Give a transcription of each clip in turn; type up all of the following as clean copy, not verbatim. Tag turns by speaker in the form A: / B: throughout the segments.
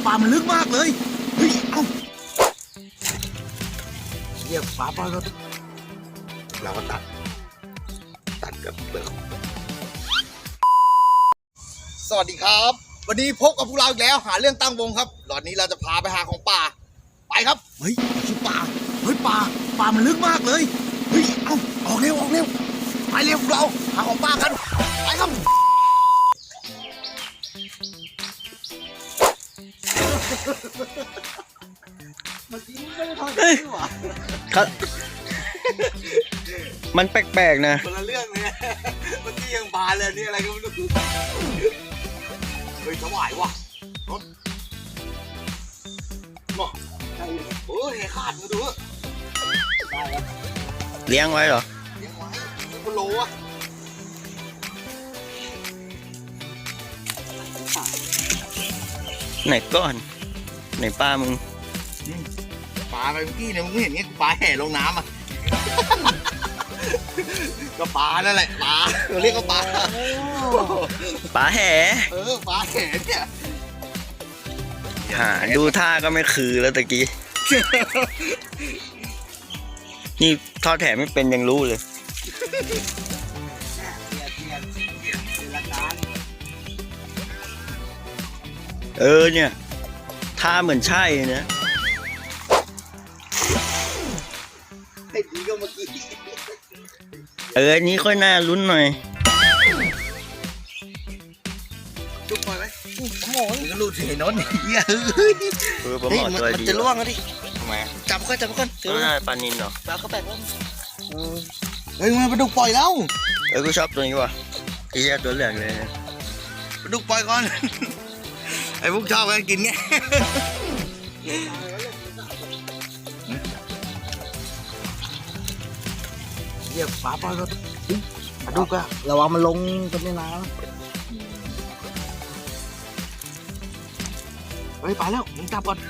A: ปลามันลึกมากเลยเฮ้ยเอ้าเรียกปลาปล่อยก็เราก็ตัดกับเปลือกสวัสดีครับวันนี้พบกับพวกเราอีกแล้วหาเรื่องตั้งวงครับหลอดนี้เราจะพาไปหาของป่าไปครับเฮ้ยชื่อป่าเฮ้ยป่ามันลึกมากเลยเฮ้ยเอ้าออกเร็วไปเร็วพวกเราหาของป่ากันไปครับเมื่อกี้ไม่ได้ทอดเลยหรอครับ
B: มันแปลกๆนะ
A: คนละเรื่องเลยเมื่อกี้ยังบานเลยนี่อะไรก็ไม่รู้เฮ้ยถวายว่ะรถเนาะโอ้ยขาดมาดูได้แล้ว
B: เลี้ยงไว้เหรอ
A: เลี้ยงไว้กิโลอ่ะ
B: ไหนก้อนไหนปลามึง
A: ปลาไปเมื่อกี้เนี่ยมึงเห็นไงปลาแห่ลงน้ำอ่ะก็ปลานั่นแหละปลาเราเรียกก็ปลา
B: แห่
A: ปลาแห่เนี่ย
B: ดูท่าก็ไม่คือแล้วตะกี้นี่ทอดแห่ไม่เป็นยังรู้เลยเนี่ยท่าเหมือนใช่นะ
A: ให้ดีก็เมื่อกี้
B: อันนี้ค่อยน่าลุ้นหน่อย
A: ลูกปล่อยไหมโอ้โหนี่ก็ลูกเห็นนนท์
B: ผมบอกตัวดี
A: มันจะล่วงแล้วดิ
B: ทำไม
A: จับก่อน
B: ถือปลานิลเหรอ
A: ปลาก็แปลกว่าเฮ้ยมันปลาดุกปล่อยแล้ว
B: กูชอบตัวนี้ว่ะไอ้ตัวเหลืองเลย
A: ปลาดุกปล่อยก่อนไอ้พวกชอบกันกินไงเรียกปลาปล่อยก็ปลาดุกอะระวังมันลงกันในน้ำเฮ้ยไปแล้วมึงจับก่อน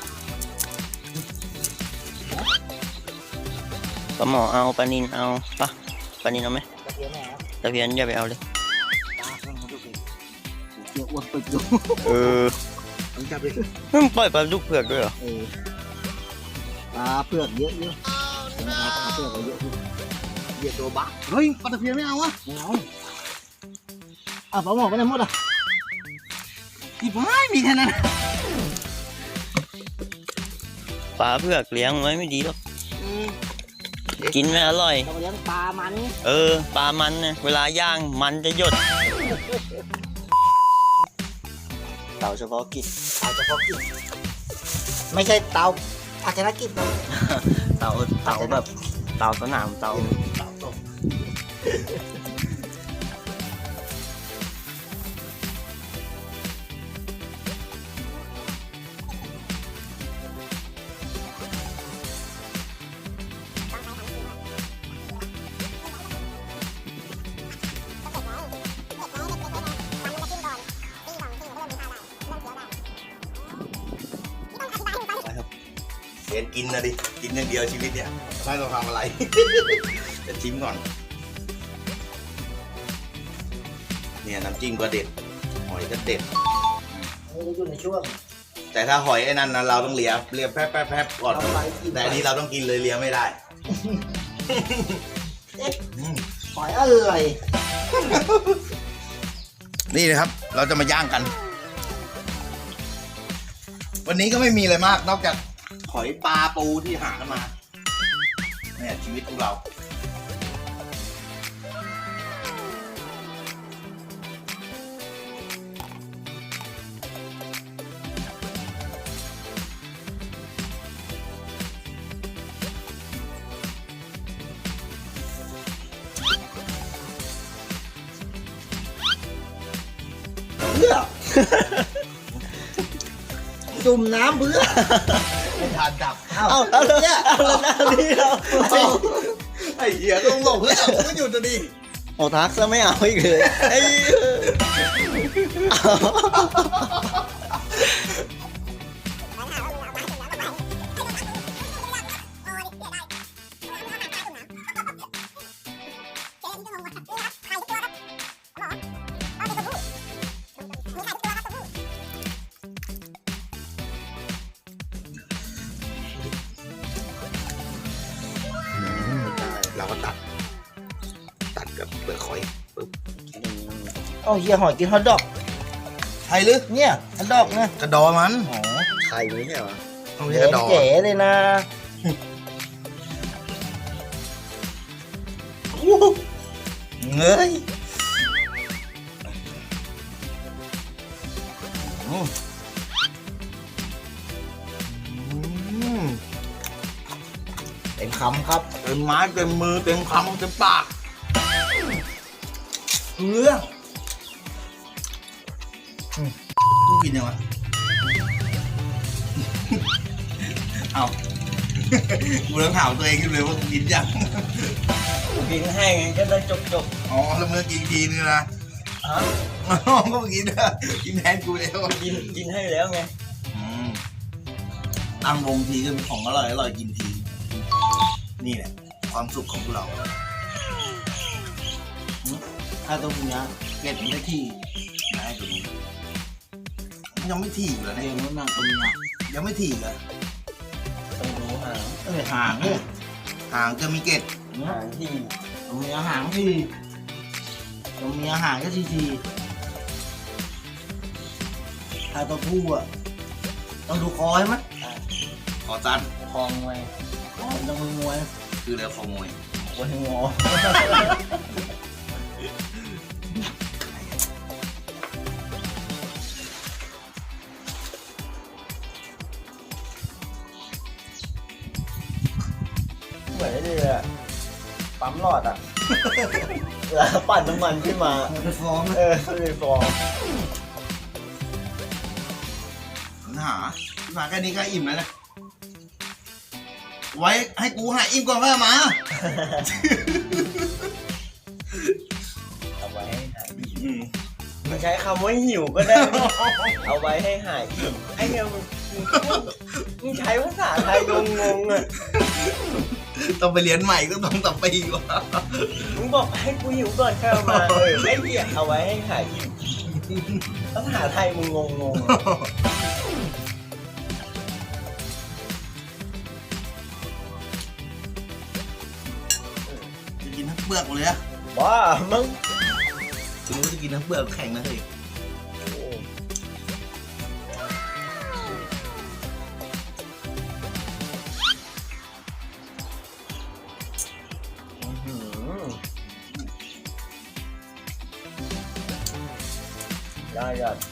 B: ปลาหมอเอาปลานิลเอาปลานิลเอาไหมตะเพียนอย่าไปเอาเลย
A: เกี่ยวอ้วนปึกอยู่มึงจับเลย
B: มึงปล่อยปลาดุกเผือกด้วยเหรอ
A: ปลาเผือกเยอะปลาเผือกเยอะเหยียดตัวบ้าเฮ้ยปลาตะเพียนไม่เอาวะไม่เอาปลาหมอไม่ได้หมดอ่ะอีบ้ามีแค่นั้น
B: ปลาเผือกเลี้ยงไว้ไม่ดีหรอกกินไม่อร่อย
A: เราเลี้ยงปลามัน
B: ปลามันเนี่ยเวลาย่างมันจะหยดเต่าเฉพาะกิจ
A: ไม่ใช่เต่าภาชนะกิจนะ
B: เต่าแบบเต่าสนามเต่าตก
A: เรียนกินนะดิกินอย่างเดียวชีวิตเนี่ยไม่ต้องทำอะไรจะชิมก่อนเนี่ยน้ำจิ้มก็เด็ดหอยก็เด็ดอยู่ในช่วงแต่ถ้าหอยไอ้นั่นนะเราต้องเลียแป๊บก่อนแต่อันนี้เราต้องกินเลยเลียไม่ได้หอยอะไรนี่นะครับเราจะมาย่างกันวันนี้ก็ไม่มีอะไรมากนอกจากหอยปลาปูที่หากันมาเนี่ยชีวิตของเราจุ่มน้ำเพื่อไม่ทานดับเอาเนี่ยไอ้เหี้ยต้องหลบเพื่อไม่หยุดดิ
B: ทักซะไม่เอาอีกเลย
C: เอาเฮียหอยกินฮอทดอก
A: ใช่หรือ
C: เนี่ยฮอทดอกนะ
A: กระดอมัน
C: อ๋อ
B: ไข่ไม่ใช่เหรอ
A: ต้องเรียกกระดอ
C: เก๋เลยนะ
A: เงยอืม
C: เต็มคำครับ
A: เต็มไม้เต็มมือเต็มคำเต็มปากเรื่องต้องกินยังวะเอากูต้องถามตัวเองขึ้นเลยว่ากูกินยัง
B: กินให้ไงก็ได้จบ
A: อ๋อแล้วเมื่อกินทีนึงนะ
B: ๆฮะ
A: อ๋อก็กินนะกินแทนกูแล้ว
B: กินให้แล้วไง
A: ตั้งวงทีก็มีของอร่อยอร่อยกินที นี่แหละความสุขของพวกเรา
C: ถ้าตัวเนี้ยเก็บได้ที่
A: นายตัวนี้ยังไม่ถีบเลย
C: เรีย
A: เนี่ย
C: นว่านั่งตัวเนี้ย
A: ยังไม่ถีบเลย
B: ต้องรู้หาง
C: ห่างเนี่ย
A: หางจะมีเกล็ด
C: เนี่ย
B: หางที่
C: ตัวเมียห่างที่ตัวเมียห่างก็ทีถ้าตัวผู้อ่ะต้องดูคอใช่ไหม
A: คอสั้น
B: คลองไว้
C: มันต้องมวย
A: คือเรือขโมย
B: ไว้งอ เหมือนไอ้นี่เลยอะปั๊มหลอดอ่ะเวลาปั่นน้ำมันขึ้นมา
C: ไปฟ้อง
B: เลยฟอง
A: หามาแค่นี้ก็อิ่มแล้วนะไว้ให้กูหาอิ่มก่อนค่อยเอามา
B: เอาไว้ให้หายอิ่มมันใช้คำว่าหิวก็ได้ เอาไว้ให้หายอิ่มไอ้เนี่ยมึงใช้ภาษาไทยงงๆอ่ะ
A: ต้องไปเรียนใหม่ก็ต้องต่อไปอีกว่า
B: มึงบอกให้กูหิวก่อนค่อยเอามาไอ้เหี้ยเอาไว้ให้หายอิ่มภาษาไทยมึงงงๆอะ
A: จะกินทั้งเปลือกหมดเลยอะ
B: บ้ามึง
A: คุณรู้จะกินทั้งเปลือกแข็งนะเฮ้ย
B: ได้ยอด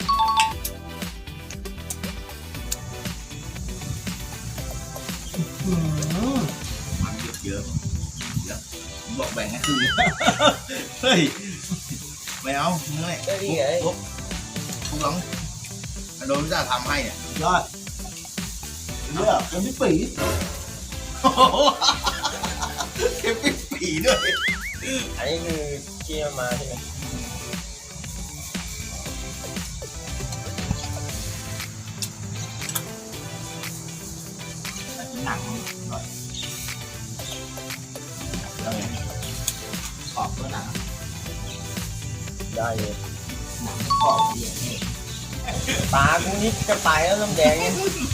A: มันเยอะเยอะบอกแบ่งให้ครึ่ง เฮ้ยไม่เอาเมื่อย
B: ได้ดีไง
A: ทุกหลังโดนพิจารทำให้เนี่ย
C: ยอดเลือกยังไม่ปี
A: เก็บปิดปีด้วย
B: อันนี้คือที่เอามาใช่ไหม
C: หนังหน่อยแล้วไงขอบก็หนัง
B: ได้เลย
C: หนังขอบเดียวนี่
B: ปลากูนิดจะไปแล้วน้ำแดงเนี่ย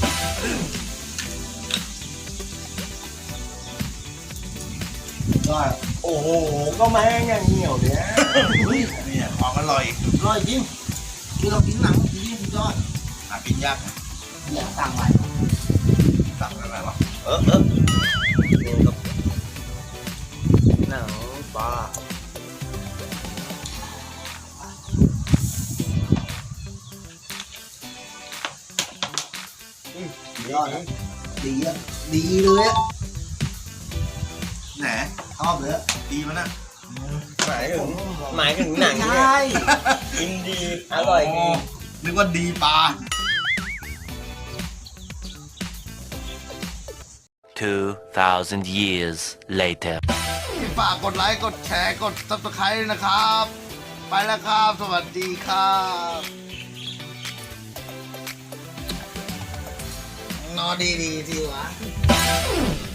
C: ยอด
B: โอ้โหก็แม่งอย่างเหนียวเนี่ย
C: เฮ้ย
A: เนี่ยของอร่อย
C: อร่อยจริงคือเรากินหนังกินนี่สุดยอด
A: หากินยากนะ
C: อยากสั่งใหม่
A: สั่งอะไรวะ
B: นี่ก็หนังปลา
C: ยอดอะดีอ่ะดีเลยอ่ะ
A: แหน
C: ชอบเลยอะ
A: ดีมันนะ
B: หมายถึงหนัง
C: ใช
B: เนี่ย่ กินดีอร่อยดี
A: นึกว่าดีปลา
D: 2,000 years later.
A: ฝากกดไลค์กดแชร์กด subscribe นะครับ ไปแล้วครับ สวัสดีครับนอนดีๆทีวะ